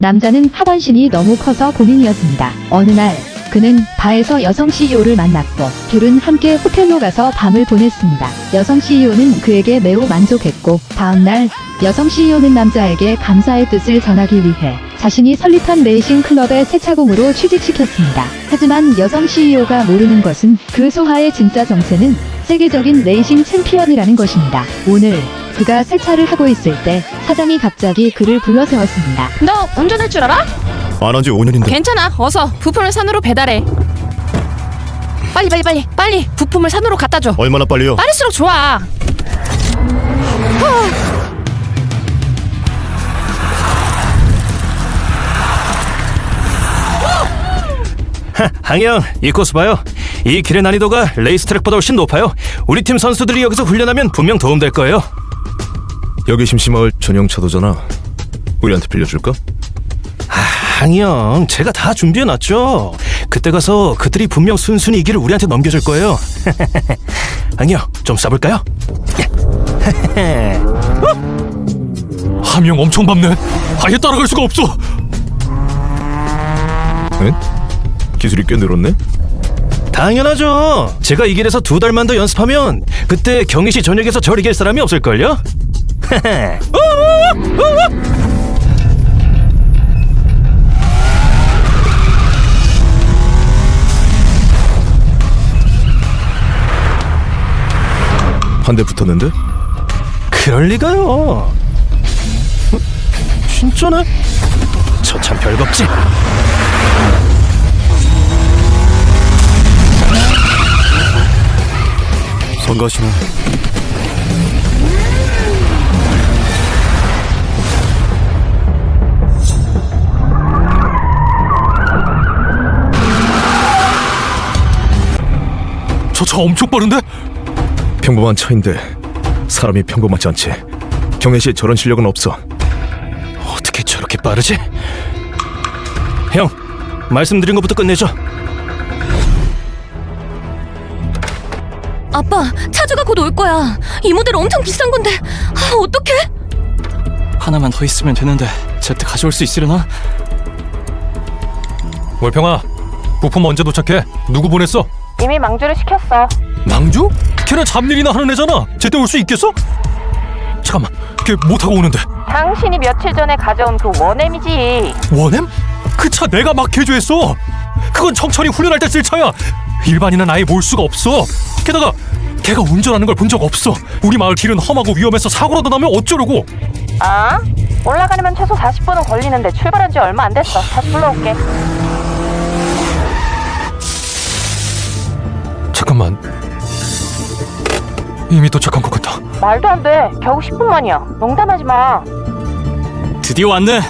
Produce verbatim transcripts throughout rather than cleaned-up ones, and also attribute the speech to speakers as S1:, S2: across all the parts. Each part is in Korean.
S1: 남자는 하반신이 너무 커서 고민이었습니다. 어느 날 그는 바에서 여성 씨이오를 만났고 둘은 함께 호텔로 가서 밤을 보냈습니다. 여성 씨이오는 그에게 매우 만족했고 다음날 여성 씨이오는 남자에게 감사의 뜻을 전하기 위해 자신이 설립한 레이싱 클럽의 새 차공으로 취직시켰습니다. 하지만 여성 씨이오가 모르는 것은 그 소하의 진짜 정체는 세계적인 레이싱 챔피언이라는 것입니다. 오늘 그가 세차를 하고 있을 때 사장이 갑자기 그를 불러세웠습니다.
S2: 너 운전할 줄 알아?
S3: 안 한 지 오 년인데.
S2: 괜찮아. 어서 부품을 산으로 배달해. 빨리 빨리 빨리 빨리 부품을 산으로 갖다 줘.
S3: 얼마나 빨리요?
S2: 빠를수록 좋아.
S4: 항영, 이 코스 봐요. 이 길의 난이도가 레이스트랙보다 훨씬 높아요. 우리 팀 선수들이 여기서 훈련하면 분명 도움될 거예요.
S3: 여기 심심마을 전용 차도잖아. 우리한테 빌려줄까?
S4: 항영, 제가 다 준비해놨죠. 그때 가서 그들이 분명 순순히 이 길을 우리한테 넘겨줄 거예요. 항영, 좀 쏴볼까요?
S5: 함영 엄청 밟네. 아예 따라갈 수가 없어.
S3: 응? 기술이 꽤 늘었네?
S4: 당연하죠. 제가 이 길에서 두 달만 더 연습하면 그때 경희시 전역에서 절 이길 사람이 없을걸요?
S3: 한 대 붙었는데?
S4: 그럴 리가요. 진짜네? 저 참 별겁지.
S3: 성가시나.
S5: 저 차 엄청 빠른데?
S3: 평범한 차인데 사람이 평범하지 않지. 경혜시에 저런 실력은 없어.
S4: 어떻게 저렇게 빠르지? 형, 말씀드린 것부터 끝내죠.
S2: 아빠, 차주가 곧 올 거야. 이 모델 엄청 비싼 건데. 아, 어떡해?
S5: 하나만 더 있으면 되는데 제때 가져올 수 있으려나? 월평아, 부품 언제 도착해? 누구 보냈어?
S2: 이미 망주를 시켰어.
S5: 망주? 걔는 잡일이나 하는 애잖아. 제때 올 수 있겠어? 잠깐만, 걔 뭐 타고 오는데?
S2: 당신이 며칠 전에 가져온 그 원엠이지.
S5: 원엠? 그 차 내가 막 개조했어. 그건 청천이 훈련할 때 쓸 차야. 일반인은 아예 몰 수가 없어. 게다가 걔가 운전하는 걸 본 적 없어. 우리 마을 길은 험하고 위험해서 사고라도 나면 어쩌려고.
S2: 아? 올라가려면 최소 사십 분은 걸리는데 출발한 지 얼마 안 됐어. 다시 불러올게.
S5: 잠깐만, 이미 도착한 것 같다.
S2: 말도 안 돼. 겨우 십 분 만이야. 농담하지 마.
S5: 드디어 왔네.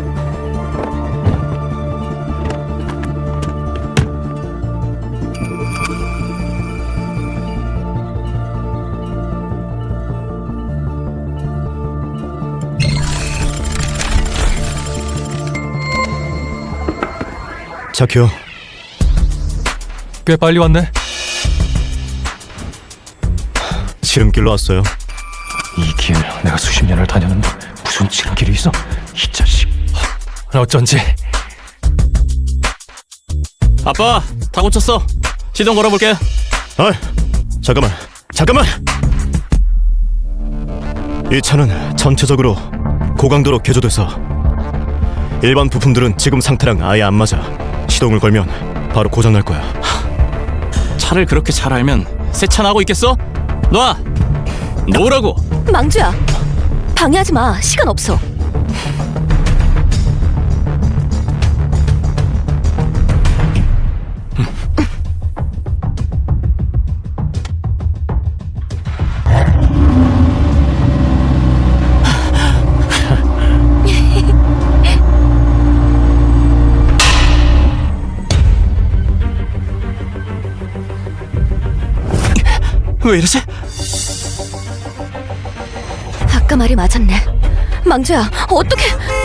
S3: 착해요.
S5: 꽤 빨리 왔네.
S3: 지름길로 왔어요.
S5: 이 길 내가 수십 년을 다녔는데 무슨 지름길이 있어? 이 자식. 어쩐지.
S6: 아빠, 다 고쳤어. 시동 걸어볼게.
S3: 아, 잠깐만, 잠깐만. 이 차는 전체적으로 고강도로 개조돼서 일반 부품들은 지금 상태랑 아예 안 맞아. 시동을 걸면 바로 고장 날 거야.
S6: 차를 그렇게 잘 알면 세차 나고 있겠어? 놔! 놓으라고!
S2: 망주야. 방해하지 마. 시간 없어.
S6: 왜 이러지?
S2: 아까 말이 맞았네. 망주야, 어떡해?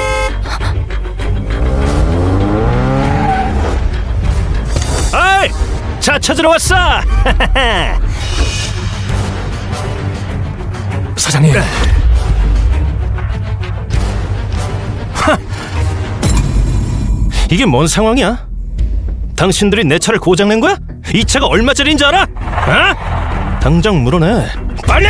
S4: 아이, 차 찾으러 왔어.
S5: 사장님.
S4: 이게 뭔 상황이야? 당신들이 내 차를 고장낸 거야? 이 차가 얼마짜리인지 알아? 어? 당장 물어내. 빨리!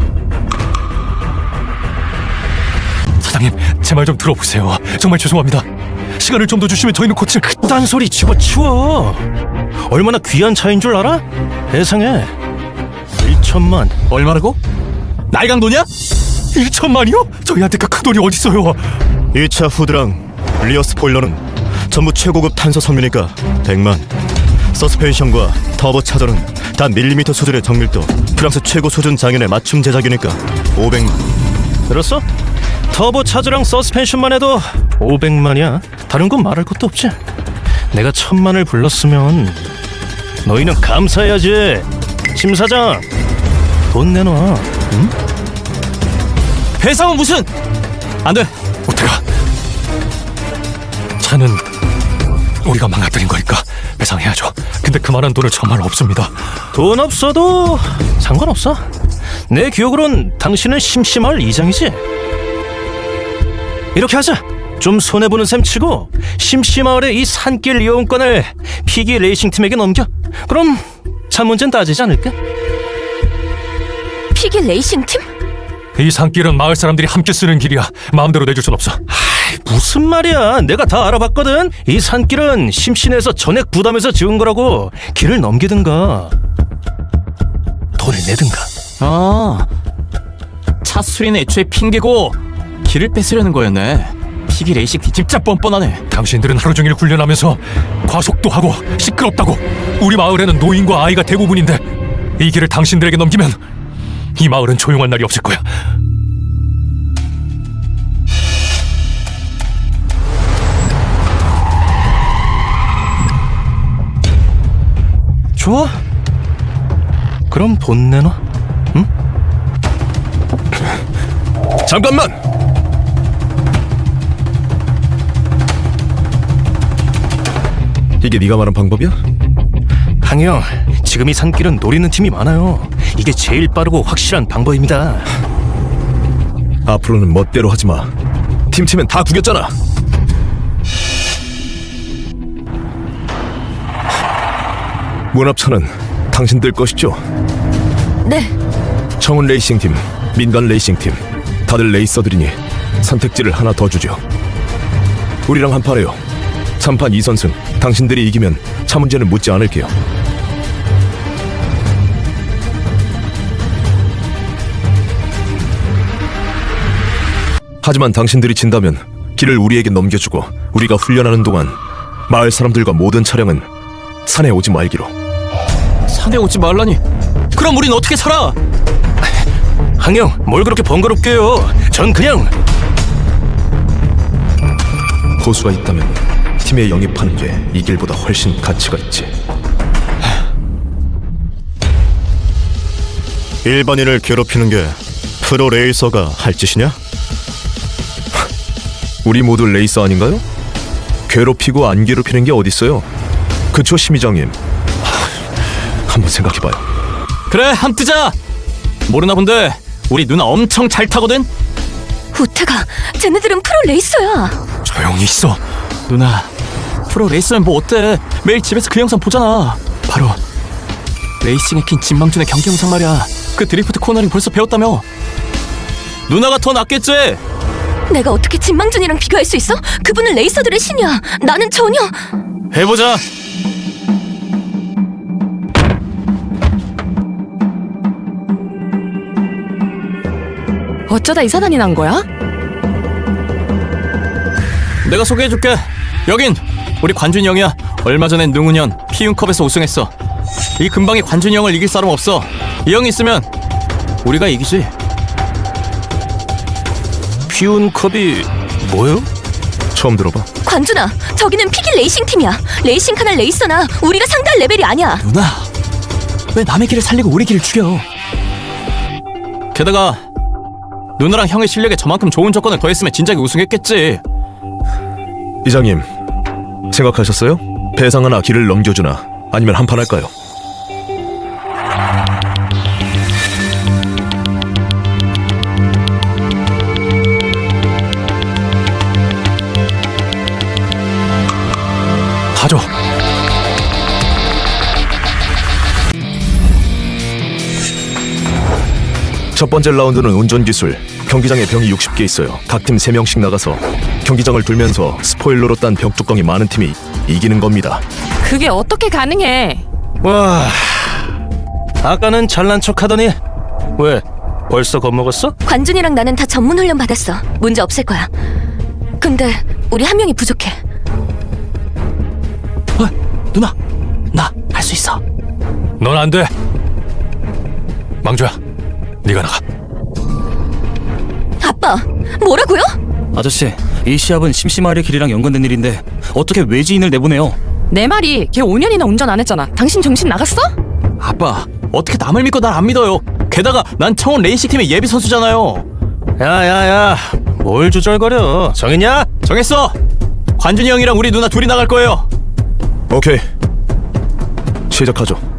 S5: 사장님, 제 말 좀 들어보세요. 정말 죄송합니다. 시간을 좀 더 주시면 저희는 고칠.
S4: 그딴 소리 집어치워. 얼마나 귀한 차인 줄 알아? 세상에. 일천만.
S6: 얼마라고? 날강도냐?
S5: 일천만이요? 저희한테 그 큰 돈이 어딨어요?
S3: 이 차 후드랑 리어 스포일러는 전부 최고급 탄소 섬유니까 백만. 서스펜션과 터보 차저는 단 밀리미터 수준의 정밀도, 프랑스 최고 수준 장인의 맞춤 제작이니까 오백만.
S4: 들었어? 터보 차저랑 서스펜션만 해도 오백만이야. 다른 건 말할 것도 없지. 내가 천만을 불렀으면 너희는 감사해야지. 심 사장, 돈 내놔. 응?
S6: 배상은 무슨? 안 돼.
S5: 오태가, 차는 우리가 망가뜨린 거니까 배상해야죠. 근데 그만한 돈은 정말 없습니다.
S4: 돈 없어도 상관없어. 내 기억으론 당신은 심심할 이장이지. 이렇게 하자. 좀 손해보는 셈 치고 심심마을의 이 산길 이용권을 피기 레이싱팀에게 넘겨. 그럼 차 문제는 따지지 않을까?
S2: 피기 레이싱팀?
S5: 이 산길은 마을 사람들이 함께 쓰는 길이야. 마음대로 내줄 순 없어.
S4: 무슨 말이야. 내가 다 알아봤거든. 이 산길은 심신에서 전액 부담해서 지은 거라고. 길을 넘기든가 돈을 내든가.
S6: 아, 차 수리는 애초에 핑계고 길을 뺏으려는 거였네. 피기 레이싱팀 진짜 뻔뻔하네.
S5: 당신들은 하루 종일 훈련하면서 과속도 하고 시끄럽다고. 우리 마을에는 노인과 아이가 대부분인데 이 길을 당신들에게 넘기면 이 마을은 조용한 날이 없을 거야.
S4: 좋아. 그럼 돈 내놔. 응?
S3: 잠깐만! 이게 네가 말한 방법이야?
S4: 항영, 지금 이 산길은 노리는 팀이 많아요. 이게 제일 빠르고 확실한 방법입니다.
S3: 앞으로는 멋대로 하지마. 팀치면 다 구겼잖아. 문합차는 당신들 것이죠?
S2: 네.
S3: 청운 레이싱팀, 민간 레이싱팀, 다들 레이서들이니 선택지를 하나 더 주죠. 우리랑 한판해요. 삼판 이선승. 당신들이 이기면 차 문제는 묻지 않을게요. 하지만 당신들이 진다면 길을 우리에게 넘겨주고 우리가 훈련하는 동안 마을 사람들과 모든 차량은 산에 오지 말기로.
S6: 산에 오지 말라니. 그럼 우린 어떻게 살아?
S4: 항영, 뭘 그렇게 번거롭게 해요. 전 그냥
S3: 호수가 있다면 팀에 영입하는 게 이 길보다 훨씬 가치가 있지. 일반인을 괴롭히는 게 프로 레이서가 할 짓이냐? 우리 모두 레이서 아닌가요? 괴롭히고 안 괴롭히는 게 어딨어요? 그쵸, 심의장님? 한번 생각해봐요.
S6: 그래, 함 뜨자. 모르나 본데 우리 누나 엄청 잘 타거든.
S2: 우태가, 쟤네들은 프로 레이서야.
S5: 조용히 있어.
S6: 누나, 프로 레이서면 뭐 어때? 매일 집에서 그 영상 보잖아. 바로 레이싱의 킹 진망준의 경기 영상 말이야. 그 드리프트 코너링 벌써 배웠다며. 누나가 더 낫겠지?
S2: 내가 어떻게 진망준이랑 비교할 수 있어? 그분은 레이서들의 신이야. 나는 전혀.
S6: 해보자.
S2: 어쩌다 이 사단이 난 거야?
S6: 내가 소개해줄게. 여긴 우리 관준이 형이야. 얼마 전엔 능훈현 피윤컵에서 우승했어. 이 근방에 관준이 형을 이길 사람 없어. 이 형이 있으면 우리가 이기지.
S4: 피운컵이 뭐요?
S3: 처음 들어봐.
S2: 관준아, 저기는 피기 레이싱 팀이야. 레이싱카나 레이서나 우리가 상대할 레벨이 아니야.
S6: 누나, 왜 남의 길을 살리고 우리 길을 죽여? 게다가 누나랑 형의 실력에 저만큼 좋은 조건을 더했으면 진작에 우승했겠지.
S3: 이장님, 생각하셨어요? 배상하나 길을 넘겨주나 아니면 한판 할까요?
S5: 가져.
S3: 첫 번째 라운드는 운전기술. 경기장에 병이 육십 개 있어요. 각 팀 세 명씩 나가서 경기장을 돌면서 스포일러로 딴 벽 뚜껑이 많은 팀이 이기는 겁니다.
S2: 그게 어떻게 가능해?
S4: 와, 아까는 잘난 척하더니 왜 벌써 겁먹었어?
S7: 관준이랑 나는 다 전문 훈련 받았어. 문제 없을 거야. 근데 우리 한 명이 부족해.
S6: 어, 누나, 나 할 수 있어.
S5: 넌 안 돼. 망주야, 네가 나가.
S7: 아빠, 뭐라고요?
S8: 아저씨, 이 시합은 심심하리 길이랑 연관된 일인데 어떻게 외지인을 내보내요?
S2: 내 말이 걔 오 년이나 운전 안 했잖아. 당신 정신 나갔어?
S6: 아빠, 어떻게 남을 믿고 날 안 믿어요? 게다가 난 청원 레이싱 팀의 예비 선수잖아요.
S4: 야야야, 뭘 주절거려? 정했냐?
S6: 정했어. 관준이 형이랑 우리 누나 둘이 나갈 거예요.
S3: 오케이. 시작하죠.